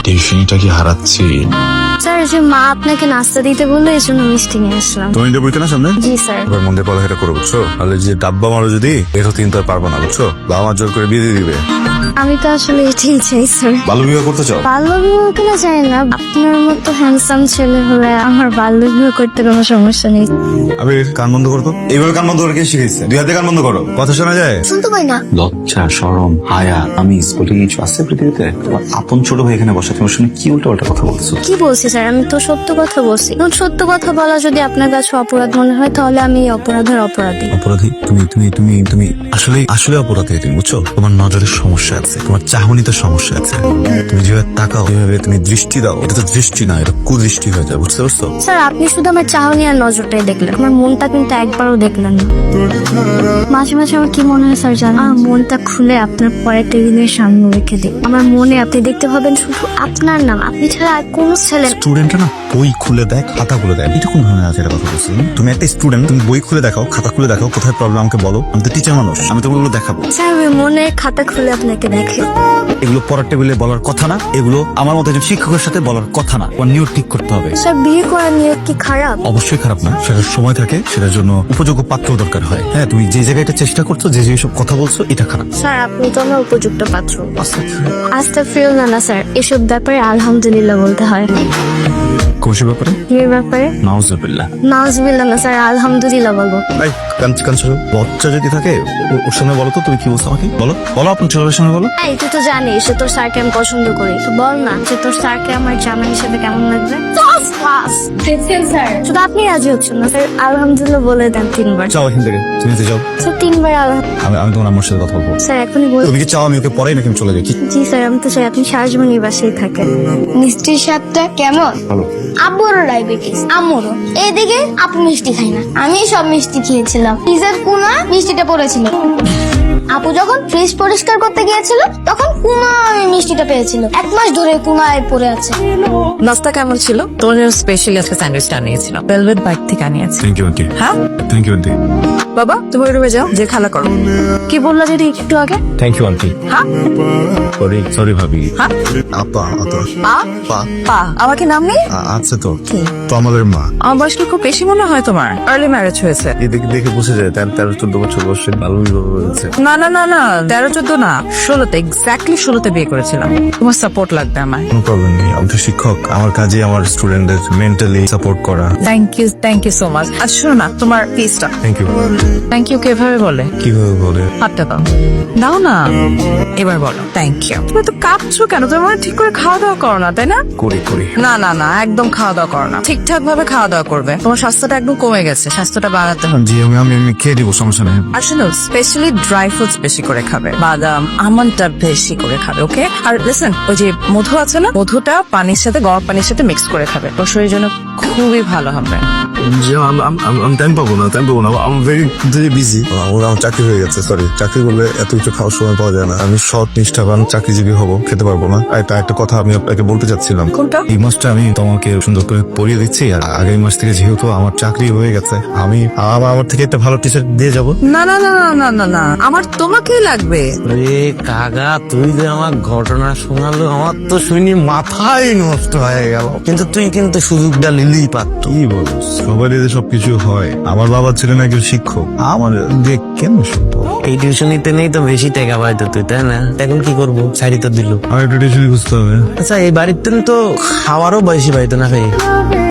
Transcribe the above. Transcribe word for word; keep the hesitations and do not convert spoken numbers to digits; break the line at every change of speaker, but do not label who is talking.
টিউশনিটা কি হারাচ্ছি?
স্যার যে মা আপনাকে নাস্তা দিতে বললো এই জন্য মিষ্টি নিয়ে আসলাম।
তুমি যে বইতে না সামনে
জি স্যার।
এবার মন দিয়ে পড়ালেখা করো বুঝছো, তাহলে যে ডাব্বা মারো যদি এটা কিন্তু আর পারবো না বুঝছো, বাবা মা জোর করে বিয়ে দিয়ে দিবে।
আমি তো আসলে এটাই চাই স্যার।
বাল্য বিবাহ করতে চাও?
বাল্য বিবাহ কিনা চাই না, আপনার মতো হ্যান্ডসাম ছেলে হলে আমার বাল্য বিবাহ করতে কোনো সমস্যা নেই।
আমি কান বন্ধ করতো, এইভাবে কান বন্ধ করে কে শিখেছে? দুই হাতে কান বন্ধ করো, কথা শোনা যায়?
শুনতে পাই না।
লজ্জা শরম হায়া আমি বলে কিছু আছে পৃথিবীতে? তোমার আপন ছোট ভাই এখানে বসা, তোমার সঙ্গে কি উল্টো পাল্টা কথা বলছো?
কি বলছি স্যার, আমি তো সত্য কথা বলছি। এখন সত্য কথা বলা যদি আপনার কাছে অপরাধ মনে হয় তাহলে আমি এই অপরাধের অপরাধী।
অপরাধী তুমি তুমি তুমি তুমি আসলে আসলে অপরাধী তুমি বুঝছো। তোমার নজরের সমস্যা আছে, তোমার চাহনিতে সমস্যা আছে। তুমি যেভাবে তাকাও, যেভাবে তুমি দৃষ্টি দাও, এটা তো দৃষ্টি না, এটা কুদৃষ্টি হয়ে যায়, বুঝতে পারছো?
স্যার আপনি শুধু আমার চাহনি আর নজরটাই দেখলেন, আমার মনটা কিন্তু একবারও দেখলেন না। মাঝে মাঝে আমার কি মনে হয় স্যার জানেন, আমার মনটা খুলে আপনার পরের টেবিলের সামনে রেখে দিই। আমার মনে আপনি দেখতে পাবেন শুধু আপনার নাম, আপনি ছাড়া আর কোনো ছেলে।
স্টুডেন্টরা না বই খুলে দেয়, খাতা খুলে দেয়, এটা কোন ধরনের আছে? এটা কথা বলছি তুমি একটা স্টুডেন্ট, তুমি বই খুলে দেখাও, খাতা খুলে দেখাও, কোথায় প্রবলেম আমাকে বলো। আমি তো টিচার মানুষ, আমি তো ওগুলো দেখাবো।
স্যার আমি মনের খাতা খুলে আপনাকে দেখে।
এগুলো পড়ার টেবিলে বলার কথা না, এগুলো আমার মতো একজন শিক্ষকের সাথে বলার কথা না। ওর নিয়ত ঠিক করতে হবে।
স্যার বিয়ে করার নিয়ত কি খারাপ?
অবশ্যই খারাপ না, সেটার সময় থাকে, সেটার জন্য উপযোগ্য পাত্র দরকার হয়। হ্যাঁ তুমি যে জায়গায় এটা চেষ্টা করছো, যে যে সব কথা বলছো, এটা খারাপ।
স্যার আপনি তো আমার উপযুক্ত পাত্র। আস্তাগফিরুল্লাহ না না স্যার, এসব ব্যাপারে আলহামদুলিল্লাহ বলতে হয়।
কোশি ব্যাপারে
বিয়ের ব্যাপারে
নাউজুবিল্লাহ।
নাউজুবিল্লাহ না স্যার, আলহামদুলিল্লাহ বলবো।
এই কান কান ছোড়ো। বাচ্চা যদি থাকে ও- ওর সামনে বলো তো তুমি কি বলছো আমাকে, বলো বলো আপনার ছোটবেলার সামনে বলো।
এই তুই তো জানিস যে তোর স্যারকে আমি পছন্দ করি, তো বল না যে তোর স্যারকে আমার জামাই হিসেবে কেমন লাগবে। ফার্স্ট ক্লাস দেখছেন স্যার, শুধু আপনি রাজি হচ্ছেন না স্যার, আলহামদুলিল্লাহ বলে দেন তিনবার।
যাও এখান থেকে, তুমি যেতে যাও।
স্যার তিনবার আলহাম।
আমি আমি তোমার আমার সাথে কথা বলবো।
স্যার এখনই বল।
তুমি কি চাও আমি ওকে পড়াই নাকি আমি চলে যাই? কি
জি স্যার আমি তো চাই আপনি সারা জীবন এই বাসায় থাকেন। মিষ্টির স্বাদটা কেমন?
ভালো।
আব্বুরও ডায়াবেটিস, আম্মুরও। এইদিকে আপু মিষ্টি খাই না, আমি সব মিষ্টি খেয়েছিলাম। ফ্রিজের কোনা মিষ্টিটা পড়েছিল। আপু যখন ফ্রিজ পরিষ্কার করতে গিয়েছিল তখন কুনায় মিষ্টিটা পেয়েছিল। এক মাস ধরে কুনায় পড়ে আছে।
নাস্তা কেমন ছিল? তোমার জন্য স্পেশালি আজকে স্যান্ডউইচটা আনিয়েছিলাম, ভেলভেট বাইক থেকে আনিয়েছি।
Thank you aunty.
হ্যাঁ
থ্যাংক ইউ আন্টি।
বাবা তুমি ওই রুমে যাও, যে খেলা করো।
কি বললা যদি একটু আগে?
Thank you aunty.
হ্যাঁ
সরি সরি ভাবি।
হ্যাঁ
আপা আপা
পা
পা
পা আমাকে নাম নেই।
আ- আছে তো তো আমাদের মা।
আমার বয়স কি খুব বেশি মনে হয় তোমার? আর্লি ম্যারেজ হয়েছে?
এদিকে দেখে বুঝে যায় তেরো তেরো চোদ্দ বছর বয়সে ভালো বিবাহ হয়েছে।
না না না না তেরো চোদ্দ না, ষোলোতে, এক্স্যাক্টলি ষোলোতে বিয়ে করেছিলাম। তোমার সাপোর্ট লাগবে আমার।
কোনো প্রবলেম নেই, আমি তো শিক্ষক, আমার কাজে আমার স্টুডেন্টদের মেন্টালি সাপোর্ট করা।
Thank you thank you so much. আর শোনো না, তোমার পিসটা।
Thank you.
থ্যাংক ইউ কিভাবে বলে?
কিভাবে বলে?
হাতটা দাও, দাও না, এবার বলো থ্যাংক ইউ। তুমি তো কাঁপছো কেন? তুমি মনে হয় ঠিক করে খাওয়া দাওয়া করো না, তাই না?
করি করি।
না না না একদম খাওয়া দাওয়া করো না, ঠিকঠাক ভাবে খাওয়া দাওয়া করবে। তোমার স্বাস্থ্যটা একদম কমে গেছে, স্বাস্থ্যটা বাড়াতে হবে।
জি আমি আমি আমি খেয়ে দিব, সমস্যা নেই।
আর শোনো, স্পেশালি ড্রাই ফ্রুটস বেশি করে খাবে, বাদাম আমন্ডটা বেশি করে খাবে, ওকে? আর লিসেন, ওই যে মধু আছে না, মধুটা পানির সাথে, গরম পানির সাথে মিক্স করে খাবে, তোর শরীরের জন্য খুবই ভালো হবে।
জি আমি আমি আমি টাইম পাবো না, টাইম পাবো না, আমি ভেরি ভেরি বিজি। আমার আমার চাকরি হয়ে গেছে, সরি। চাকরি করলে এত কিছু খাওয়ার সময় পাওয়া যায় না। আমি সৎ নিষ্ঠাবান চাকরিজীবী হব, খেতে পারবো না। আর এটা একটা কথা আমি আপনাকে বলতে চাচ্ছিলাম।
কোনটা?
এই মাসটা আমি তোমাকে সুন্দর করে পড়িয়ে দিচ্ছি, আর আগামী মাস থেকে যেহেতু আমার চাকরি হয়ে গেছে, আমি আমার আমার থেকে একটা ভালো টিচার দিয়ে যাবো।
না না না না না না না আমার তোমাকেই লাগবে।
রে কাকা, তুই যে আমার ঘটনা শোনালো, আমার তো শুনি মাথাই নষ্ট হয়ে গেল। কিন্তু তুই কিন্তু সুযোগটা নিলেই পারত।
কি বলো, সবার এদের সবকিছু হয়। আমার বাবা ছিলেন একজন শিক্ষক, আমার দেখ কেন শুনতো।
এই টিউশনিতে নেই তো বেশি টাকা পাইতো তুই, তাই না? এখন কি করবো, শাড়ি তো দিল।
আমার একটা টিউশন বুঝতে হবে।
আচ্ছা এই বাড়িতে তো খাওয়ারও বেশি পাইতো না ভাই।